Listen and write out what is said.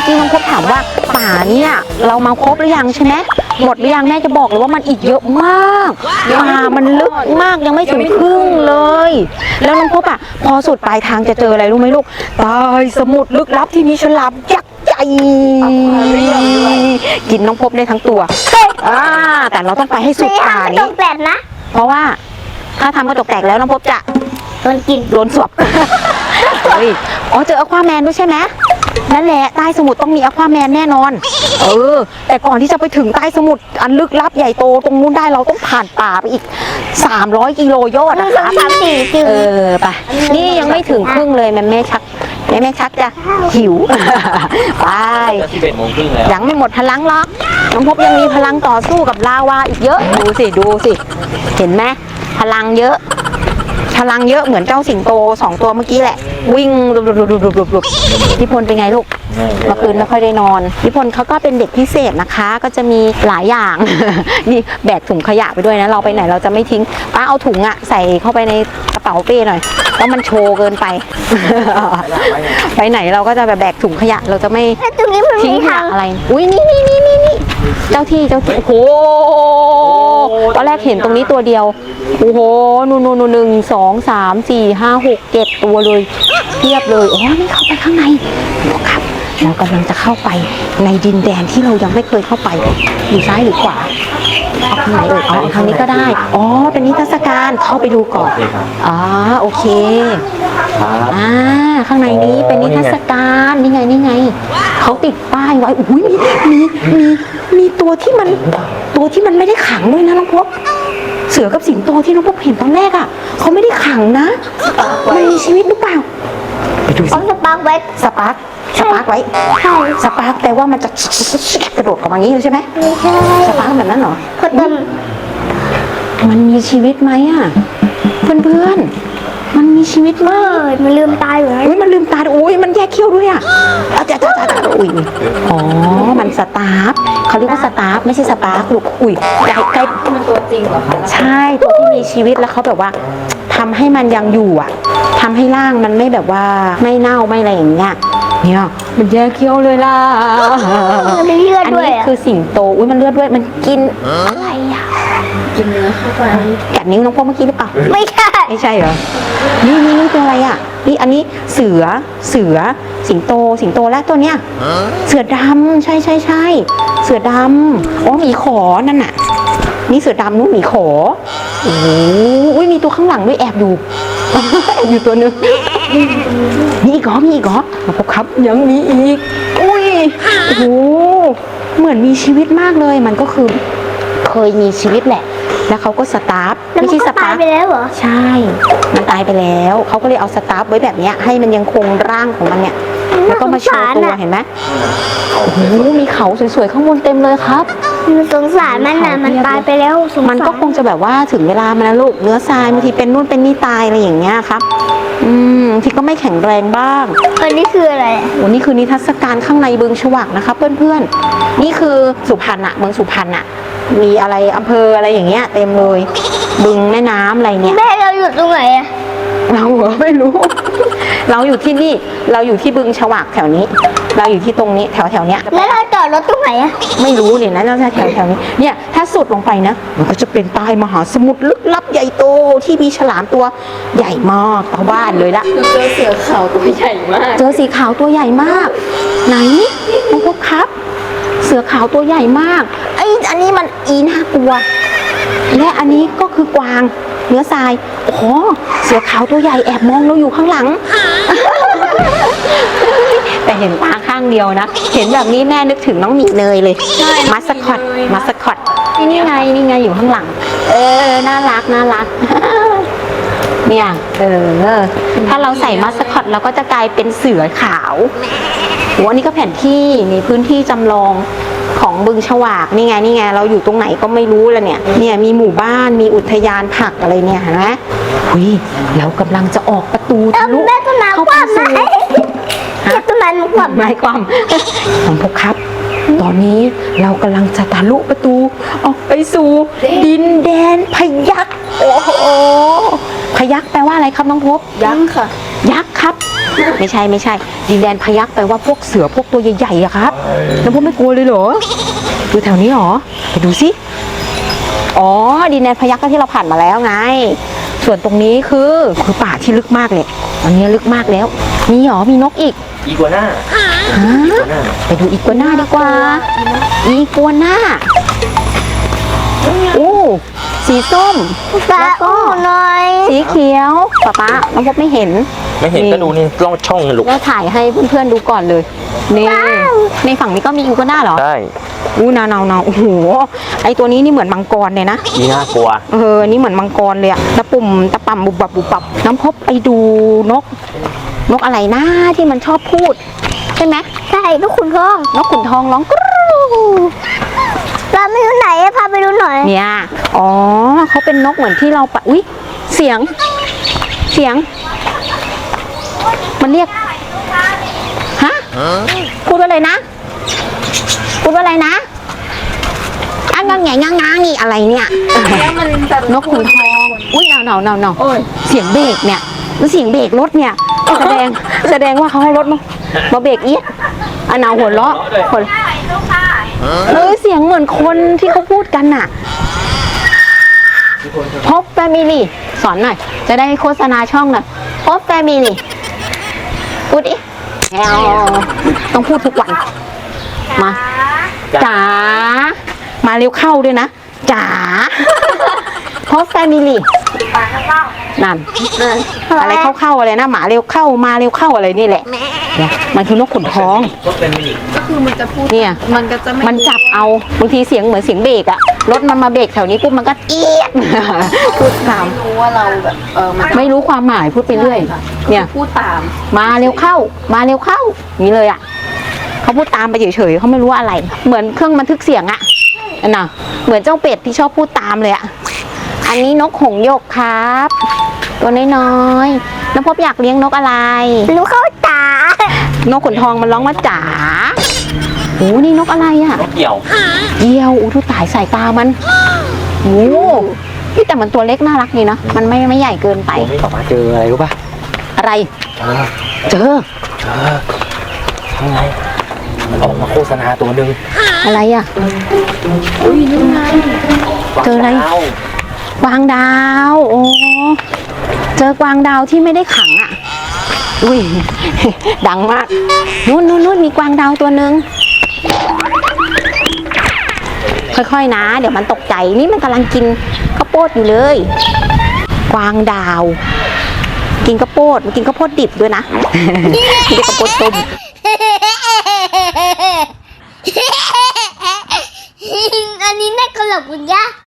อกี้น้องพบถามว่าป่าเนี่ยเรามาครบหรือยังใช่ไหมหมดหรือยังแม่จะบอกเลยว่ามันอีกเยอะมากป่ามันลึกมากยังไม่ถึงครึ่งเลยแล้วน้องพบอ่ะพอสุดปลายทางจะเจออะไรรู้ไหมลูกใต้สมุทรลึกลับที่มีฉลามยักษ์ใหญ่กินน้องพบได้ทั้งตัวแต่เราต้องไปให้สุดป่านี้แปลกนะเพราะว่าถ้าทำกระจกแตกแล้วน้องพบจะโดนกินโดนสวบอ๋อเจออควาแมนด้วยใช่ไหมนั่นแหละใต้สมุทรต้องมีอควาแมนแน่นอนแต่ก่อนที่จะไปถึงใต้สมุทรอันลึกลับใหญ่โตตรงนู้นได้เราต้องผ่านป่าไปอีก300 กิโลยอดนะคะ 3-4 กิโลไปนี่ยังไม่ถึงครึ่งเลยแม่ชักจะหิวไป 11 โมงครึ่งแล้วยังไม่หมดพลังหรอกน้องพบยังมีพลังต่อสู้กับลาวาอีกเยอะดูสิเห็นไหมพลังเยอะเหมือนเจ้าสิงโต2 ตัวเมื่อกี้แหละวิ่งรุบพี่พลเป็นไงลูกเมื่อคืนไม่ค่อยได้นอนพี่พลเขาก็เป็นเด็กพิเศษนะคะก็จะมีหลายอย่าง นี่แบกถุงขยะไปด้วยนะเราไปไหนเราจะไม่ทิ้งป้าเอาถุงอะใส่เข้าไปในกระเป๋าเป้หน่อยเพราะมันโชว์เกินไป ไปไหนเราก็จะแบบแบกถุงขยะเราจะไม่ทิ้งขยะอะไรอุ้ยนี่เจ้าที่โอ้โหตอนแรกเห็นตรงนี้ตัวเดียวโอ้โหนู่น1 2 3 4 5 6 7 ตัวเลยเทียบเลยอ๋อนี่เข้าไปข้างในครับเรากำลังจะเข้าไปในดินแดนที่เรายังไม่เคยเข้าไปอยู่ซ้ายหรือขวาเอาทางไหนทางนี้ก็ได้อ๋อเป็นนิทรรศการเข้าไปดูก่อนโอเคข้างในนี้เป็นนิทรรศการนี่ไงเขาติดป้ายไว้อุ้ยมีตัวที่มันไม่ได้ขังด้วยนะน้องพบเสือกับสิงโตที่น้องพบเห็นตอนแรกอ่ะเขาไม่ได้ขังนะมันมีชีวิตหรือเปล่าไปดูสิสปาร์กไว้สปาร์กไว้สปาร์กแต่ว่ามันจะกระโดดออกมาอย่างนี้เลยใช่ไหมสปาร์กแบบนั้นเหรอมันมีชีวิตไหมอ่ะเพื่อนมันมีชีวิตไหมมันลืมตาอยู่นะมันลืมตาอุ้ยมันแยกเขี้ยวด้วยอ่ะจ้าอุ้ยอ๋อมันสตาร์ฟเขาเรียกว่าสตาร์ฟไม่ใช่สปาร์กลูกอุ้ยใกล้มันตัวจริงเหรอคะใช่ตัวที่มีชีวิตแล้วเขาแบบว่าทำให้มันยังอยู่อ่ะทำให้ร่างมันไม่แบบว่าไม่เน่าไม่อะไรอย่างเงี้ยเนี่ยมันแยกเขี้ยวเลยล่ะมันมีเลือดด้วยอันนี้คือสิงโตอุ้ยมันเลือดด้วยมันกินอะไรอ่ะกินเนื้อเข้าไปกัดนิ้วน้องพวกเมื่อกี้หรือเปล่าไม่ใช่เหรอนี่เป็นอะไรอ่ะนี่อันนี้เสือสิงโตและตัวเนี้ยเสือดำใช่เสือดำอ๋อหมีขอนั่นน่ะนี่เสือดำนู้นหมีขอโอ้ยมีตัวข้างหลังด้วยแอบอยู่ตัวนึงมีอีกเหรอครับยังมีอีกอุ้ยโอ้โหเหมือนมีชีวิตมากเลยมันก็คือเคยมีชีวิตแหละแล้วเขาก็สตาร์ฟไม่ใช่สตาร์ฟไปแล้วเหรอใช่มันตายไปแล้วเขาก็เลยเอาสตาร์ฟไว้แบบนี้ให้มันยังคงร่างของมันเนี่ยแล้วก็มาโชว์ตัวเห็นไหมโอ้โหมีเขาสวยๆข้างบนเต็มเลยครับสงสารมันนะมันตายไปแล้วมันก็คงจะแบบว่าถึงเวลามันนะลูกเนื้อทรายบางทีเป็นนู่นเป็นนี่ตายอะไรอย่างเงี้ยครับที่ก็ไม่แข็งแรงบ้างอันนี้คืออะไรนี่คือนิทรรศการข้างในบึงฉวักนะคะเพื่อนๆนี่คือสุพรรณอะเมืองสุพรรณอะมีอะไรอำเภออะไรอย่างเงี้ยเต็มเลยบึงแม่น้ำอะไรเนี่ยแม่เราอยู่ตรงไหนอะเราไม่รู้ เราอยู่ที่นี่เราอยู่ที่บึงฉวักแถวนี้เราอยู่ที่ตรงนี้แถวเนี้ยแล้วเราจอดรถตรงไหนอะไม่รู้เนี่ยนะเราจะแถวนี้เนี่ยถ้าสุดลงไปนะมันก็จะเป็นใต้มหาสมุทรลึกลับใหญ่โตที่มีฉลามตัวใหญ่มากเท่าบ้านเลยละเจอเสือขาวตัวใหญ่มากเจอสีขาวตัวใหญ่มากไหนน้องพบครับเสือขาวตัวใหญ่มากอันนี้มันน่ากลัวและอันนี้ก็คือกวางเนื้อทรายโอ้โหเสือขาวตัวใหญ่แอบมองเราอยู่ข้างหลัง แต่เห็นตาข้างเดียวนะเห็นแบบนี้แม่นึกถึงน้องหมีเนยเลยมัสคอตนี่ไงอยู่ข้างหลังน่ารักเนี่ยถ้าเราใส่มัสคอตเราก็จะกลายเป็นเสือขาวโอ้อันนี้ก็แผนที่นี่พื้นที่จำลองของบึงฉวากนี่ไงเราอยู่ตรงไหนก็ไม่รู้แล้วเนี่ยมีหมู่บ้านมีอุทยานผักอะไรเนี่ยเห็นไหมเรากำลังจะออกประตูทะลุเข้าไปสู่ต้นไม้มันความของพวกครับตอนนี้เรากำลังจะทะลุประตูออกไปสู่ดินแดนพยัคฆ์โอ้โหพยัคฆ์แปลว่าอะไรครับน้องพบยักษ์ค่ะยักษ์ครับ ไม่ใช่ไม่ใช่ ดินแดนพยัคฆ์แปลว่าพวกเสือพวกตัวใหญ่ๆอะครับแล้วพวกไม่กลัวเลยเหรออยู่แถวนี้เหรอไปดูสิอ๋อดินแดนพยัคฆ์ก็ที่เราผ่านมาแล้วไง ส่วนตรงนี้คือป่าที่ลึกมากเลยอันนี้ลึกมากแล้วมีหรอมีนกอีกอีกัวน่าฮะไปดูอีกัวน่าดีกว่าอีกัวน่าโอ้สีส้มปลาอู้หน่อยสีเขียวป๊าน้องพบไม่เห็นไม่เห็นก็ดูนี่ล่องช่องเลยลูกก็ถ่ายให้เพื่อนๆดูก่อนเลยนี่ในฝั่งนี้ก็มีอีกัวน่าเหรอใช่อู้นาวโอ้โหไอตัวนี้นี่เหมือนมังกรเลยนะอีน่ากลัวนี่เหมือนมังกรเลยอะตะปุ่มตะป่ำบุบบับบุบบับน้ำพบไปดูนกอะไรนะที่มันชอบพูดใช่ไหมใช่ลูกขุนทองนกขุนทองร้องกรู๊ปลาไม่รู้ไหนอะพาไปดูหน่อยเนี่ยอ๋อเขาเป็นนกเหมือนที่เราปะอุ๊ยเสียง มันเรียกฮะพูดว่าอะไรนะพูดว่าอะไรนะอ่ะงางแงงางงีอะไรเนี่ยแล้วมันจะนกขุนทองอุ้ยเนาเสียงเบรกเนี่ยแล้วเสียงเบรกรถเนี่ยแสดงว่าเขาให้รถมาเบรกเอี๊ยดอันหนาวหัวเราะคนเสียงเหมือนคนที่เขาพูดกันน่ะพบแฟมิลี่สอนหน่อยจะได้โฆษณาช่องหน่อยพบแฟมิลี่พูดดิต้องพูดทุกวันมาจ๋ามาเร็วเข้าด้วยนะจ๋าพบแฟมิลี่นั่นอะไรเข้าอะไรนะหมาเร็วเข้ามาเร็วเข้าอะไรนี่แหละเนี่ยมันคือนกขุนทองก็เป็นมินิก็คือมันจะพูดเนี่ยมันก็จะไม่มันจับเอาบางทีเสียงเหมือนเสียงเบรกอะรถมันมาเบรกแถวนี้ปุ๊บมันก็เอี๊ยด พูดตามรู้ว่าเราแบบมันไม่รู้ความหมายพูดไปเรื่อยเนี่ยพูดตามมาเร็วเข้าอย่างนี้เลยอะเขาพูดตามไปเฉยๆเขาไม่รู้ว่าอะไร เหมือนเครื่องบันทึกเสียงอะน่ะเหมือนเจ้าเป็ดที่ชอบพูดตามเลยอะอันนี้นกหงส์หยกครับ ตัวน้อยๆน้องพบอยากเลี้ยงนกอะไรรู้เข้าตานกขุนทองมันร้องว่าจ๋าโอ้นี่นกอะไรอะนกเกี่ยวเหยี่ยวทุกตายสายตามันโอ้นี่แต่มันตัวเล็กน่ารักดีนะมันไม่ใหญ่เกินไปผมไม่ออกมาเจออะไรรู้ป่ะอะไรเจอเจอทำไงมันออกมาโฆษณาตัวหนึ่งอะไรอะเจออะไร กวางดาวโอ้เจอกวางดาวที่ไม่ได้ขังอ่ะอุ้ย ดังมากนู่นมีกวางดาวตัวหนึ่งค่อยๆนะเดี๋ยวมันตกใจนี่มันกำลังกินข้าวโพดอยู่เลยกวางดาว กินข้าวโพดมันกินข้าวโพดดิบด้วยนะ ไม่ได้ข้าวโพดต้ม